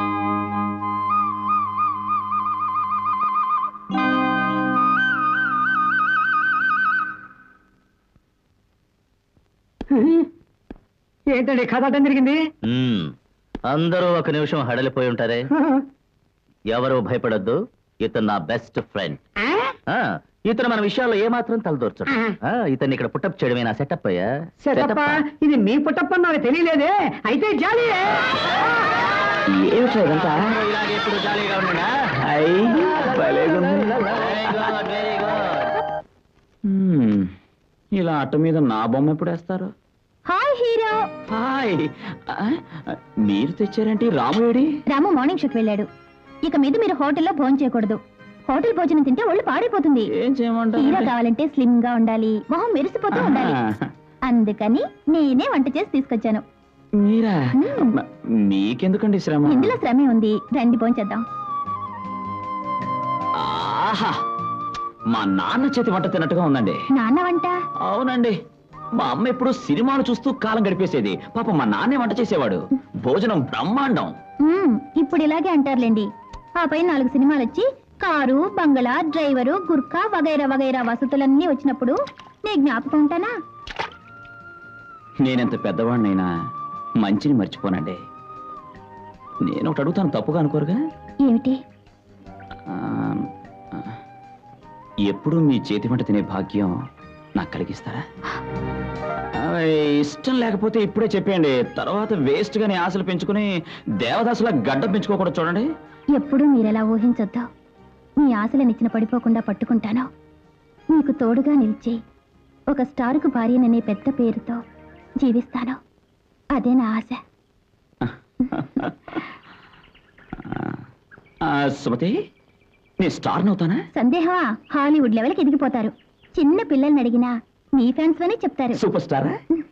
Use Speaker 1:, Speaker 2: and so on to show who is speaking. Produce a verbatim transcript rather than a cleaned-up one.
Speaker 1: ఏంటండి కథ అడ్డం జరిగింది?
Speaker 2: అందరూ ఒక నిమిషం హడలిపోయి ఉంటారే. ఎవరు భయపడద్దు, ఇతను నా బెస్ట్ ఫ్రెండ్. ఇతను మన విషయాల్లో ఏమాత్రం తలదూర్చడు. ఇతన్ని ఇక్కడ పుట్టప్ చేయడమే నా సెటప్ అయ్యా.
Speaker 1: సెటప్? ఇది మీ పుట్టప్ నాకు తెలియలేదే. అయితే జాలీ ఏమిటంతా
Speaker 2: ఇలాగే ఎప్పుడు జాలీగా ఉండడా?
Speaker 3: ఇలా అట్ట మీద నా బొమ్మ ఎప్పుడు వేస్తారు?
Speaker 4: Hi hero.
Speaker 3: హాయ్. మీరు తెచ్చారేంటి? రాముడి
Speaker 4: రాము మార్నింగ్ షోకి వెళ్ళాడు. ఇక మీద మీరు హోటల్లో భోజనం చేయకూడదు. హోటల్ భోజనం తింటే ఒళ్ళు పాడైపోతుంది.
Speaker 3: ఏం చేయమంటారు?
Speaker 4: హీరో కావాలంటే స్లిమ్ గా ఉండాలి, మొహం మెరిసిపోతూ ఉండాలి. అందుకని నేనే వంట చేసి తీసుకొచ్చాను.
Speaker 3: మీరా? మీకెందుకండి శ్రమ?
Speaker 4: ఇందులో శ్రమే ఉంది, రండి భోంచేద్దాం.
Speaker 3: ఆహా, మా నాన్న చేతి వంట తిన్నట్టుగా ఉందండి.
Speaker 4: నాన్న వంట?
Speaker 3: అవునండి. మా అమ్మ ఎప్పుడు సినిమాలు చూస్తూ కాలం గడిపేసేది. పాప మా నాన్నే వంట చేసేవాడు. భోజనం బ్రహ్మాండం.
Speaker 4: ఇప్పుడు ఇలాగే అంటారులేండి. ఆ పై నాలుగు సినిమాలు వచ్చి కారు, బంగళా, డ్రైవరు, గుర్కా వగైరా వగైరా వసతులన్నీ వచ్చినప్పుడు నీ జ్ఞాపకం ఉంటానా?
Speaker 3: నేనెంత పెద్దవాడినైనా మంచిని మర్చిపోనండి. నేను ఒకటి అడుగుతాను, తప్పుగా అనుకోరుగా?
Speaker 4: ఏమిటి?
Speaker 3: ఎప్పుడు మీ చేతి వంట తినే భాగ్యం నాకు కలిగిస్తారా? ఇష్టం లేకపోతే ఇప్పుడే చెప్పేయండి. తర్వాత వేస్ట్ గాని ఆశలు పెంచుకుని దేవదాసులా గడ్డ పెంచుకోకూడదు. చూడండి,
Speaker 4: ఎప్పుడు మీరెలా ఊహించొద్దు. మీ ఆశలు నిచ్చిన పడిపోకుండా పట్టుకుంటాను. మీకు తోడుగా నిలిచి ఒక స్టారుకు భార్యననే పెద్ద పేరుతో జీవిస్తాను. అదే నా ఆశ.
Speaker 3: సుమతి, నేను స్టార్ నవుతానా?
Speaker 4: సందేహమా? హాలీవుడ్ లెవెల్కి ఎదిగిపోతారు. చిన్న పిల్లల్ని అడిగినా మీ ఫ్యాన్స్ అనే చెప్తారు.
Speaker 3: సూపర్ స్టారా?